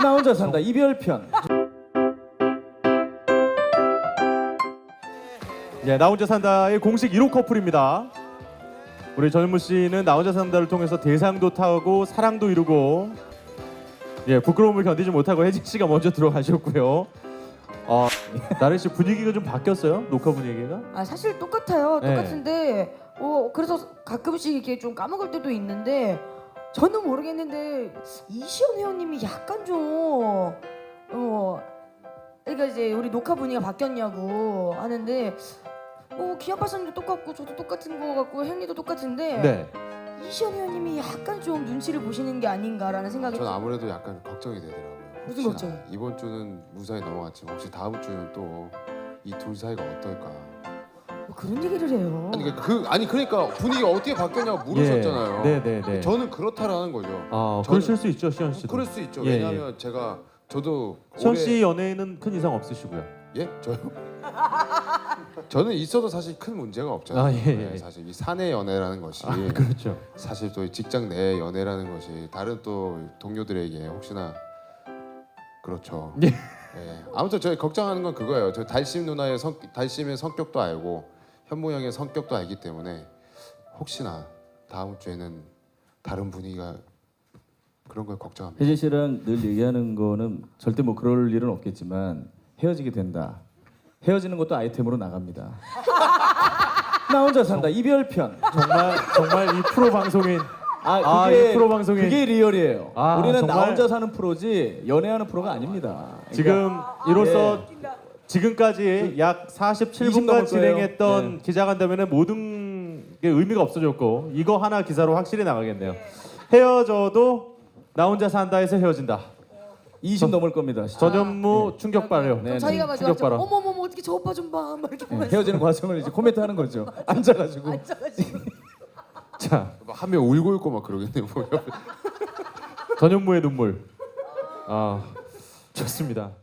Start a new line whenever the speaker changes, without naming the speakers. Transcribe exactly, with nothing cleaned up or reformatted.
나 혼자 산다 이별편.
예, 나 혼자 산다의 공식 일 호 커플입니다. 우리 전현무 씨는 나 혼자 산다를 통해서 대상도 타고 사랑도 이루고, 예, 부끄러움을 견디지 못하고 혜진 씨가 먼저 들어가셨고요. 어, 나래 씨 분위기가 좀 바뀌었어요? 녹화 분위기가?
아 사실 똑같아요.
네.
똑같은데 어 그래서 가끔씩 이렇게 좀 까먹을 때도 있는데 저는 모르겠는데 이시연 회원님이 약간 좀 어 그러니까 이제 우리 녹화 분위기가 바뀌었냐고 하는데 어 기아파선도 똑같고 저도 똑같은 거 같고 henry도 똑같은데
네.
이시연 회원님이 약간 좀 눈치를 보시는 게 아닌가라는 생각이
전 아무래도 약간 걱정이 되더라고요.
무슨
혹시나
걱정?
이번 주는 무사히 넘어갔지만 혹시 다음 주는 또 이 둘 사이가 어떨까?
뭐 그런 얘기를 해요.
아니 그러니까 그 아니 그러니까 분위기가 어떻게 바뀌었냐고 물으셨잖아요.
예. 네, 네, 네.
저는 그렇다라는 거죠.
아,
저는-
그러실 수 있죠, 시현 씨도.
그럴 수 있죠.
예,
왜냐하면 제가 저도
시현
올해-
씨 연애에는 큰 이상 없으시고요.
예? 저요? 저는 있어도 사실 큰 문제가 없잖아요.
아, 예, 예.
네, 사실 이 사내 연애라는 것이
아, 그렇죠.
사실 또 직장 내 연애라는 것이 다른 또 동료들에게 혹시나 그렇죠.
예.
예. 아무튼 저희 걱정하는 건 그거예요. 저 달심 누나의 성 달심의 성격도 알고 현모 형의 성격도 알기 때문에 혹시나 다음 주에는 다른 분위기가 그런 걸 걱정합니다.
혜진 씨랑 늘 얘기하는 거는 절대 뭐 그럴 일은 없겠지만 헤어지게 된다. 헤어지는 것도 아이템으로 나갑니다. 나 혼자 산다 이별편.
정말 정말 이 프로 방송인
아
아,
그게
이 프로 방송인.
그게 리얼이에요.
아,
우리는 나
정말.
혼자 사는 프로지 연애하는 프로가 아닙니다. 그러니까
지금 이로써
예.
지금까지 약 사십칠
이십
분간
넘을 거예요.
진행했던
네.
기자간담회는 모든 게 의미가 없어졌고 이거 하나 기사로 확실히 나가겠네요. 헤어져도 나 혼자 산다에서 헤어진다.
이십 넘을 겁니다. 진짜.
전현무 충격 발효.
네,
그럼
네.
저희가 가지고
충격 발언.
어머머머 어떻게 저 오빠 좀 봐. 막 이렇게
네,
보면서
헤어지는 과정을 이제 코멘트 하는 거죠. 앉아가지고.
앉아가지고
자,
한 명 울고 있고 막 그러겠네요. 뭐 옆에.
전현무의 눈물. 아, 좋습니다.